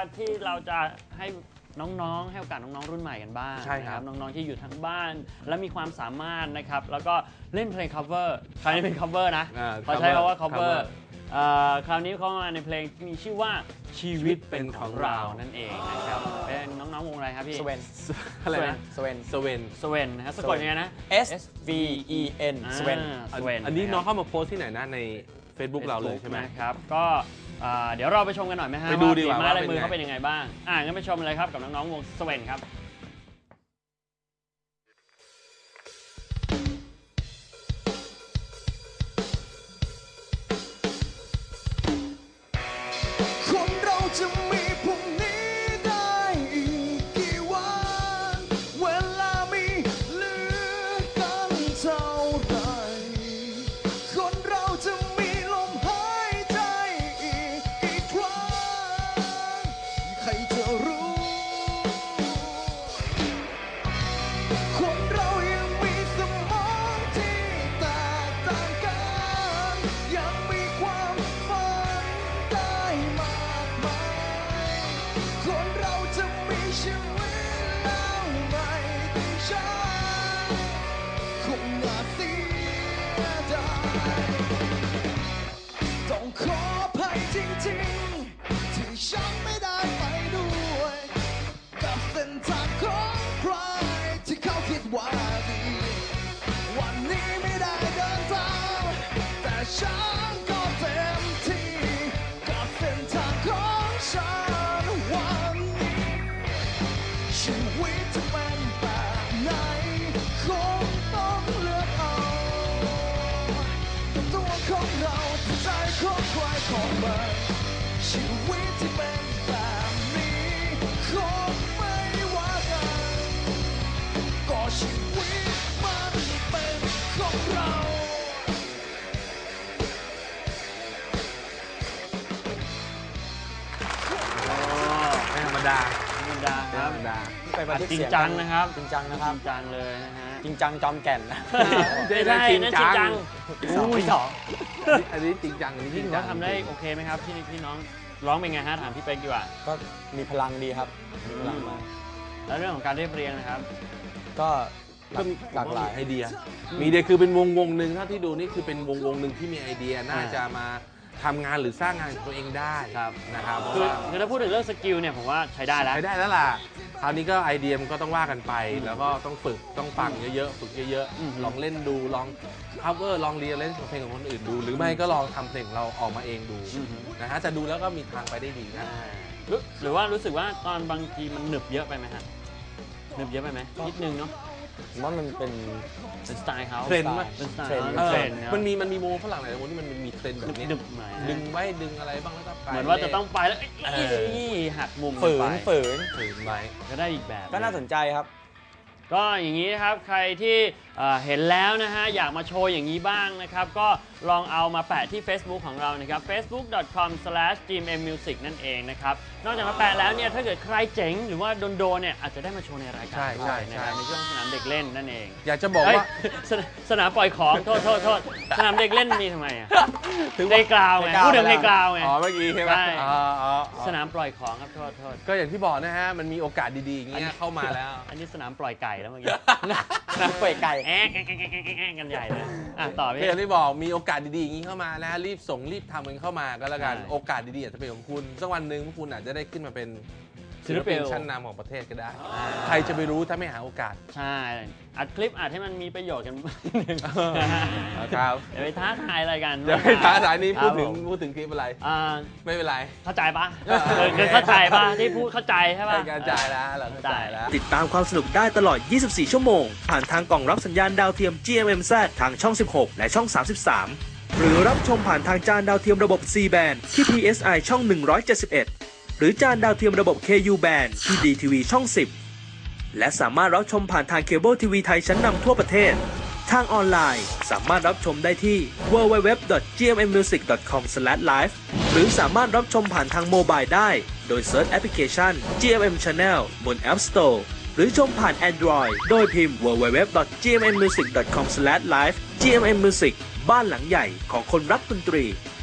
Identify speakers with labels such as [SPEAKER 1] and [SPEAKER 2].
[SPEAKER 1] นะครับที่เราจะให้น้องๆให้โอกาสน้องๆรุ่นใหม่กันบ้าง
[SPEAKER 2] ใช่ครับ
[SPEAKER 1] น้องๆที่อยู่ทั้งบ้านและมีความสามารถนะครับแล้วก็เล่นเพลง cover คราวนี้เป็น cover นะเขาใช้คำว่า cover คราวนี้เขามาในเพลงที่มีชื่อว่าชีวิตเป็นของเรานั่นเองนะครับเป็นน้องๆวงอะไรครับพี่
[SPEAKER 3] สเวน
[SPEAKER 2] อะไรนะ
[SPEAKER 3] สเวน
[SPEAKER 2] สเวน
[SPEAKER 1] สเวนนะครับสะกดยังไงนะ
[SPEAKER 3] S V E N สเวน
[SPEAKER 1] สเวน
[SPEAKER 2] อันนี้น้องเข้ามาโพสต์ที่ไหนนะใน Facebook เราเลยใช่ไหม
[SPEAKER 1] นะครับก็เดี๋ยวเราไปชมกันหน่อยไหมฮะ
[SPEAKER 2] ไปดูดีกว่า
[SPEAKER 1] ฝีไม้
[SPEAKER 2] ว่า
[SPEAKER 1] ลายมือ
[SPEAKER 2] เป็นไง
[SPEAKER 1] เขาเป็นยังไงบ้างงั้นไปชมเลยครับกับน้องๆวงสเวนครับ
[SPEAKER 4] คนเราจะมีพรุ่งนี้ได้อีกกี่วันเวลามีเหลือกันเท่าไหรคนเราจะมีลมหายใจอีกกี่ครั้งใครจะรู้คนเรายังมีสมองที่แตกต่างกันยังมีความฝันได้มากมายคนเราจะมีชีวิตแล้วไม่ได้ใช้คงน่าเสียดายต้องขออภัยจริงๆที่ฉันไม่ได้ไปด้วยกับเส้นทางของใครที่เขาคิดว่าดีวันนี้ไม่ได้เดินทางแต่ฉันก็เต็มที่กับเส้นทางของฉันวันนี้ชีวิตจะเป็นแบบไหนคงต้องเลือกเอาตัวของเราที่ใจของใครของมันชีวิตที่เป็นแบบนี้คงไม่ว่ากันก็ชีวิตมันเป็นของเรา
[SPEAKER 2] ไม่ธรรมดา
[SPEAKER 1] ธรรมดาค
[SPEAKER 2] ไม่
[SPEAKER 1] รับ
[SPEAKER 2] ธรรมดา
[SPEAKER 3] ไปบันทึก
[SPEAKER 1] จริง
[SPEAKER 3] เสียง
[SPEAKER 1] จังนะครับ
[SPEAKER 3] จริงจังนะครับ
[SPEAKER 1] จริงจังเลยนะฮะ
[SPEAKER 3] จริงจังจอมแก่นนะ
[SPEAKER 1] ไม่ใช่นั่นจริงจัง
[SPEAKER 3] สองที่สอง
[SPEAKER 2] อันนี้จริงจังอันนี้จ
[SPEAKER 1] พี่
[SPEAKER 2] ริง
[SPEAKER 1] ถือ
[SPEAKER 2] จั
[SPEAKER 1] ว่าง ทำได้โอเคไหมครับพี่น้องร้องเป็นไงฮะถามพี่เป๊กดีกว่า
[SPEAKER 3] ก็มีพลังดีครับมีพลังมาก
[SPEAKER 1] แล้วเรื่องของการเรียบเรียงนะครับ
[SPEAKER 3] ก็
[SPEAKER 2] ก็มี
[SPEAKER 3] หลากหลาย
[SPEAKER 2] ไอเดีย มีไอเดียคือเป็นวงหนึ่งเท่าที่ดูนี่คือเป็นวงหนึ่งที่มีไอเดียน่าจะมาทำงานหรือสร้างงานของตัวเองได้
[SPEAKER 1] ครับ
[SPEAKER 2] นะครับเพราะ
[SPEAKER 1] คือ
[SPEAKER 2] ว่า
[SPEAKER 1] คือถ้าพูดถึงเรื่องสกิลเนี่ยผมว่าใช้ได้แล้ว
[SPEAKER 2] ใช้ได้แล้วล่ะคราวนี้ก็ไอเดียมันก็ต้องว่ากันไป แล้วก็ต้องฝึกต้องฟังเยอะๆฝึกเยอะ
[SPEAKER 1] อืม
[SPEAKER 2] ๆลองเล่นดูลอง cover ลองเรียนเล่นเพลงของคนอื่นดู หรือไม่ก็ลองทำเพลงเราออกมาเองดูนะฮะจะดูแล้วก็มีทางไปได้ดีนะ
[SPEAKER 1] หรือว่ารู้สึกว่าตอนบางทีมันหนึบเยอะไปไหมฮะหนึบเยอะไปไหมนิดนึงเนาะ
[SPEAKER 3] ผมว่ามันเป็น
[SPEAKER 1] เป็นสไตล์เขา
[SPEAKER 2] เทรนด์ไหม
[SPEAKER 1] เป็นสไตล์
[SPEAKER 3] เทรนด์
[SPEAKER 1] เทรนด์นะ
[SPEAKER 2] มันมีวงฝรั่งหลายวงที่มันมีเทรนด์แบบนี้
[SPEAKER 1] หนึบๆหน่อยนะ
[SPEAKER 2] ดึงไว้ดึงอะไรบ้างแล้วก็ไป
[SPEAKER 1] เหมือนว่าจะต้องไปแล้วหักมุม
[SPEAKER 3] ฝืน
[SPEAKER 1] ไป
[SPEAKER 3] ฝืน
[SPEAKER 2] ถึงไว้
[SPEAKER 1] ก็ได้อีกแบบ
[SPEAKER 3] ก็น่าสนใจครับ
[SPEAKER 1] ก็อย่างนี้นะครับใครที่เห็นแล้วนะฮะอยากมาโชว์อย่างนี้บ้างนะครับก็ลองเอามาแปะที่ Facebook ของเรานะครับ facebook.com/gmmusic นั่นเองนะครับนอกจากมาแปะแล้วเนี่ยถ้าเกิดใครเจ๋งหรือว่าโดนๆเนี่ยอาจจะได้มาโชว์ในรายการ
[SPEAKER 2] ใช่
[SPEAKER 1] ด้วยนะครับในช่วงสนามเด็กเล่นนั่นเอง
[SPEAKER 2] อยากจะบอก
[SPEAKER 1] เอ้ย
[SPEAKER 2] ว่า
[SPEAKER 1] สนามปล่อยของโทษสนามเด็กเล่นมีทำไมอ่ะในกราวไงพูดถึงในกราวไง
[SPEAKER 2] อ๋อเมื่อกี้ใช่ไหม
[SPEAKER 1] ใช่
[SPEAKER 2] อ๋อ
[SPEAKER 1] สนามปล่อยของครับโทษ
[SPEAKER 2] ก็อย่างที่บอกนะฮะมันมีโอกาสดีๆอย่างเงี้ยเข้ามาแล้ว
[SPEAKER 1] อันนี้สนามปล่อยไก่แล้วเมื่อกี้
[SPEAKER 3] น้ำเปื่อยไก่
[SPEAKER 1] แอ๊กกันใหญ่เลยต่อ
[SPEAKER 2] ก็
[SPEAKER 1] พี่
[SPEAKER 2] อย่างที่บอกมีโอกาสดีๆอย่างนี้เข้ามานะฮะรีบส่งรีบทำกันเข้ามาก็แล้วกัน
[SPEAKER 1] ใช่
[SPEAKER 2] โอกาสดีๆอาจจะเป็นของคุณสักวันหนึ่งพวกคุณอาจจะได้ขึ้นมาเป็น
[SPEAKER 1] ศิลปิน
[SPEAKER 2] ชั้นนำของประเทศก็ได้ ใครจะไปรู้ถ้าไม่หาโอกาส
[SPEAKER 1] ใช่อัดคลิปอัดให้มันมีประโยชน์กันหนึ่ง
[SPEAKER 2] ครับ
[SPEAKER 1] อย่าไปท้าทายอะไรกัน
[SPEAKER 2] เดี๋ยวให้ท้าสายนี้
[SPEAKER 1] ครับ
[SPEAKER 2] พูดถึงคลิปอะไร
[SPEAKER 1] อ่า
[SPEAKER 2] ไม่เป็นไร
[SPEAKER 1] เข้าใจปะคือเข้าใจปะที่พูดเข้าใจใช่ปะ
[SPEAKER 2] เป็นการจ่ายแล้วเราเข้าใจแล้ว
[SPEAKER 5] ติดตามความสนุกได้ตลอด 24 ชั่วโมง ผ่านทางกล่องรับสัญญาณดาวเทียม GMMZ ทางช่อง 16 และช่อง 33 หรือรับชมผ่านทางจานดาวเทียมระบบ C band ที่ PSI ช่อง 171 หรือจานดาวเทียมระบบ KU band ที่ DTV ช่อง 10 และสามารถรับชมผ่านทางเคเบิลทีวีไทยชั้นนำทั่วประเทศ ทางออนไลน์สามารถรับชมได้ที่ www.gmmusic.com/live หรือสามารถรับชมผ่านทางโมบายได้โดยเซิร์ชแอปพลิเคชัน GMM Channel บน App Store หรือชมผ่าน Android โดยพิมพ์ www.gmmusic.com/live GMM Music บ้านหลังใหญ่ของคนรักดนตรี